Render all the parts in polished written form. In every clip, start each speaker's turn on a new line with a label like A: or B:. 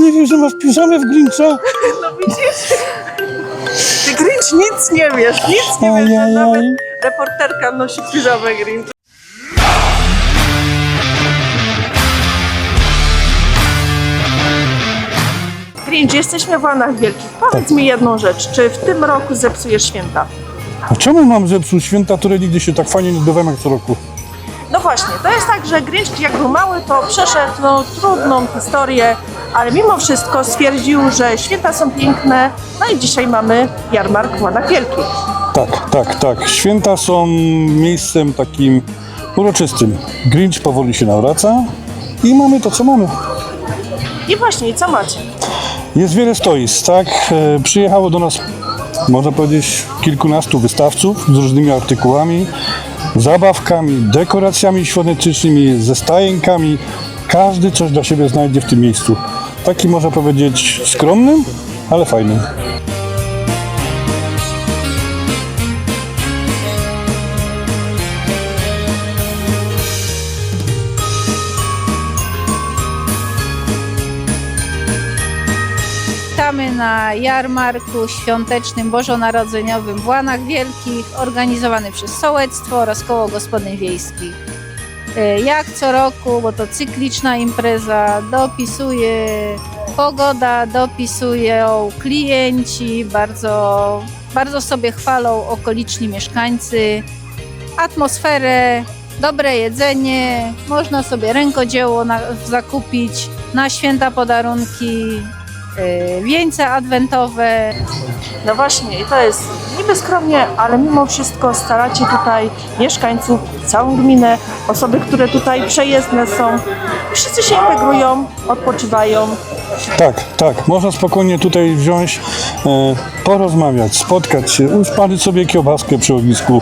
A: nie wiesz, że masz piżamę w Grincha?
B: No widzisz? Ty Grinch nic nie wiesz, że
A: Ajajaj.
B: nawet reporterka nosi piżamę Grinch. Grinch, jesteśmy w Łanach Wielkich. Powiedz mi jedną rzecz, czy w tym roku zepsujesz święta?
A: A czemu mam zepsuć święta, które nigdy się tak fajnie nie odbywają jak co roku?
B: No właśnie, to jest tak, że Grinch jak był mały, to przeszedł trudną historię, ale mimo wszystko stwierdził, że święta są piękne, no i dzisiaj mamy jarmark w Łanach Wielkich.
A: Tak. Święta są miejscem takim uroczystym. Grinch powoli się nawraca i mamy to, co mamy.
B: I właśnie, co macie?
A: Jest wiele stoisk, tak? Przyjechało do nas, można powiedzieć, kilkunastu wystawców z różnymi artykułami, zabawkami, dekoracjami świątecznymi, ze stajenkami. Każdy coś dla siebie znajdzie w tym miejscu. Taki, można powiedzieć, skromnym, ale fajnym.
C: Witamy na jarmarku świątecznym bożonarodzeniowym w Łanach Wielkich, organizowany przez Sołectwo oraz Koło Gospodyń Wiejskich. Jak co roku, bo to cykliczna impreza, dopisuje pogoda, dopisują klienci, bardzo sobie chwalą okoliczni mieszkańcy, atmosferę, dobre jedzenie, można sobie rękodzieło zakupić, na święta podarunki, wieńce adwentowe.
B: No właśnie, i to jest niby skromnie, ale mimo wszystko staracie tutaj mieszkańców, całą gminę, osoby, które tutaj przejezdne są. Wszyscy się integrują, odpoczywają.
A: Tak. Można spokojnie tutaj wziąć, porozmawiać, spotkać się, usmażyć sobie kiełbaskę przy ognisku,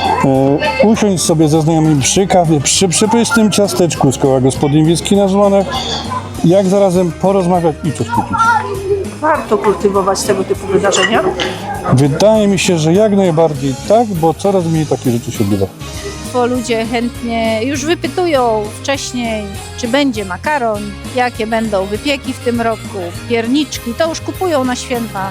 A: usiąść sobie ze znajomymi przy kawie, przy przepysznym ciasteczku z Koła Gospodyń Wiejskich na Żłanach, jak zarazem porozmawiać i coś kupić.
B: Warto kultywować tego typu wydarzenia.
A: Wydaje mi się, że jak najbardziej tak, bo coraz mniej takich rzeczy się odbywa.
C: Bo ludzie chętnie już wypytują wcześniej, czy będzie makaron, jakie będą wypieki w tym roku, pierniczki, to już kupują na święta,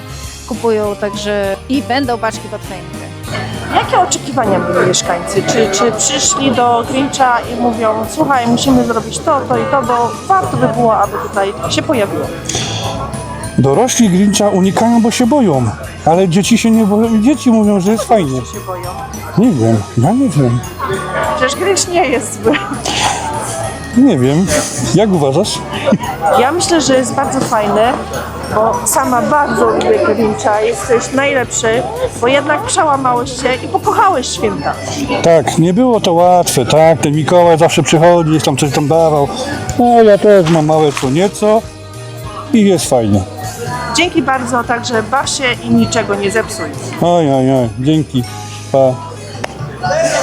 C: także i będą paczki pod choinkę.
B: Jakie oczekiwania mieli mieszkańcy? Czy przyszli do Grincha i mówią, słuchaj, musimy zrobić to i to, bo warto by było, aby tutaj się pojawiło?
A: Dorośli Grincha unikają, bo się boją, ale dzieci się nie boją. Dzieci mówią, że jest fajnie.
B: Się boją.
A: Nie wiem, ja nie wiem.
B: Przecież Grinch nie jest zły.
A: Nie wiem. Jak uważasz?
B: Ja myślę, że jest bardzo fajny, bo sama bardzo lubię Grincha, jesteś najlepszy, bo jednak przełamałeś się i pokochałeś święta.
A: Tak, nie było to łatwe, tak? Ten Mikołaj zawsze przychodzi, jest tam coś tam dawał. No ja też mam małe co nieco i jest fajnie.
B: Dzięki bardzo, także baw się i niczego nie zepsuj.
A: Oj, dzięki. Pa.